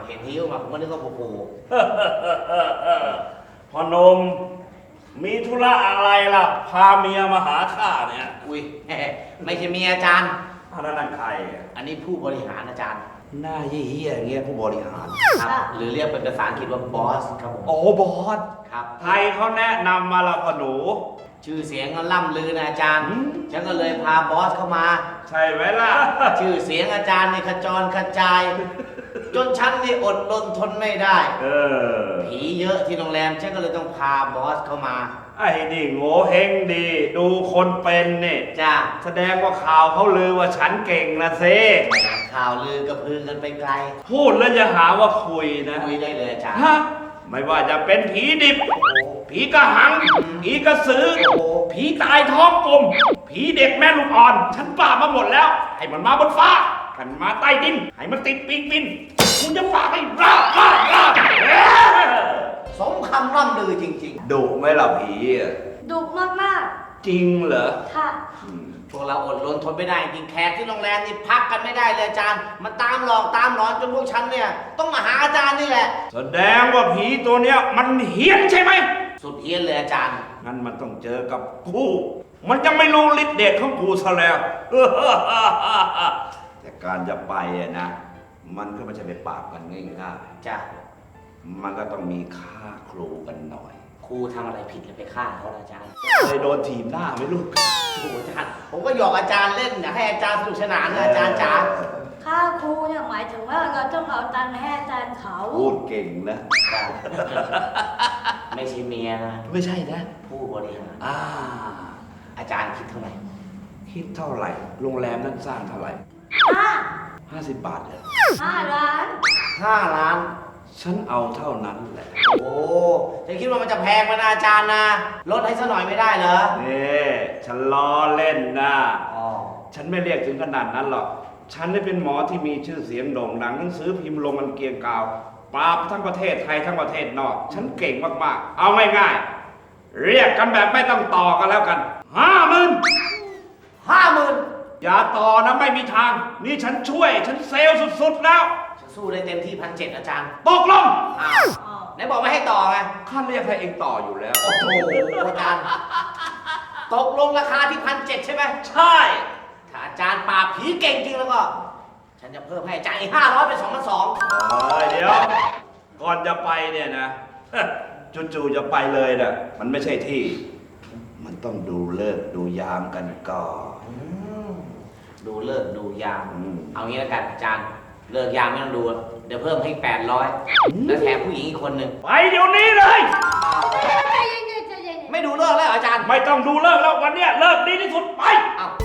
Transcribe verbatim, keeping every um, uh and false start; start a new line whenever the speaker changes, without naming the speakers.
เห็นหิ้วมาผมก็นึกว่าโอ้โห
พ่อหนมมีธุระอะไรล่ะพาเมียมาหาข้าเนี่ย
อุ้ย ไม่ใช่เมียอาจารย์
อันนั้นใครอ่ะ
อันนี้ผู้บริหารอาจารย์
หน้าเหี้ยๆอย่างเงี้ยผู้บริหาร
ครับหรือเรียกเป็นภาษาอังกฤษว่าบอสครับผม
โอ้บอส
ครับ
ใครเขาแนะนำมาละพ่อหนู
ชื่อเสียงก็ล่ำลือนะอาจารย์
อืม
ฉันก็เลยพาบอสเข้ามา
ใช่ไหมล่ะ
ชื่อเสียงอาจารย์ในขจรกระจาย จนฉันนี่อดรนทนไม่ได้
เออ
ผีเยอะที่โรงแรมฉันก็เลยต้องพาบอสเข้ามา
ไอ้นี่โง่เฮงดี ดูคนเป็นนี่
จ้า
แสดงว่าข่าวเขาลือว่าฉันเก่งนะเซ
ข่าวลือกระพือกันไปไกล
พูดแล้วจะหาว่าคุยนะ
คุยได้เลยอาจารย์
ฮะไม่ว่าจะเป็นผีดิบ ผีกระหัง ผีกระสือ
โอ้โห
ผีตายท้องกลม ผีเด็กแม่ลูกอ่อน ฉันปราบมาหมดแล้ว ให้มันมาบนฟ้ากันมาใต้ดิน ให้มันติดปีกบินกูจะปราบให้ราบราบราบเอ้อ
สมคำร่ำลือจริง
ดุไหมล่ะผีอะ
ดุมาก
จริงเหรอ
ๆ ค่ะ
อืม
ๆ พวกเราอดรนทนไม่ได้จริงแขกที่โรงแรมนี่พักกันไม่ได้เลยอาจารย์ มันตามหลอกตามหลอนจนพวกฉันเนี่ยต้องมาหาอาจารย์นี่แหละ
แสดงว่าผีตัวเนี้ยมันเฮี้ยนใช่ไหม
สุดเฮี้ยนเลยอาจารย์
งั้นมันต้องเจอกับกู มันจะไม่รู้ฤทธิ์เดชของกูซะแล้ว แต่การจะไปอะนะ มันก็ไม่ใช่ไปปราบกันง่าย
จ้ะ
ๆ มันก็ต้องมีค่าครูกันหน่อย
ครูทำอะไรผิดเลยไปฆ่าเขาล่ะอาจารย์
เคยโดนทีมหน้าไหมลูก
โอ้โหอาจารย์ ผมก็หยอกอาจารย์เล่นอยากให้อาจารย์สนุกสนานนะอาจารย์จ๋า
ค่าครูเนี่ยหมายถึงว่าเราต้องเอาตังค์ให้อาจารย์เขา
พูดเก่งนะ
จ้ะไม่ใช่เมียนะ
ไม่ใช่นะ
ผู้บริหาร
อ่า
อาจารย์คิดเท่าไหร่
คิดเท่าไหร่ โรงแรมนั้นสร้างเท่าไหร่
ห้า
ห้าสิบบาทเหรอ
ห้าล้าน
ห้าล้าน
ฉันเอาเท่านั้นแหละ
โอ้จะคิดว่ามันจะแพงมานะอาจารย์นะ ลดให้สักหน่อยไม่ได้เหรอ
นี่ฉันล้อเล่นนะ
อ๋อ
ฉันไม่เรียกถึงขนาดนั้นหรอก ฉันได้เป็นหมอที่มีชื่อเสียงโด่งดังหนังสือพิมพ์ลงมันเกรียงกราวปราบทั้งประเทศไทยทั้งประเทศนอก ฉันเก่งมากๆ เอาง่ายๆ เรียกกันแบบไม่ต้องต่อกันแล้วกันห้าหมื่น
ห้าหมื่น
อย่าต่อนะไม่มีทาง นี่ฉันช่วย ฉันเซลล์สุดๆแล้ว
ฉันสู้ได้เต็มที่พันเจ็ดอาจารย์
ตกลง
อ้าว
อ๋อ
ไหนบอกไม่ให้ต่อไง
ข้าเรียกให้เองต่ออยู่แล้ว
โอ้โหอาจารย์ ตกลงราคาที่พันเจ็ดใช่ไหม
ใช่
ถ้าอาจารย์ปราบผีเก่งจริงแล้วก็ ฉันจะเพิ่มให้อาจารย์อีกห้าร้อยเป็นสองพันสอง
เอ้ยเดี๋ยว ก่อนจะไปเนี่ยนะ จู่ๆจะไปเลยนะมันไม่ใช่ที่ มันต้องดูเลิกษ์ดูยามกันก่อน
ดูเลิกดูยาม
อืม
เอางี้แล้วกันอาจารย์ เลิกยามไม่ต้องดู เดี๋ยวเพิ่มให้แปดร้อยแล้วแถมผู้หญิงอีกคนหนึ่ง
ไปเดี๋ยวนี้เลย
ใจเย็นๆใจเย็นๆ
ไม่ดูเลิกแล้วเหรออาจารย์
ไม่ต้องดูเลิกแล้ววันเนี้ยเลิกดีที่สุดไป
เอ้า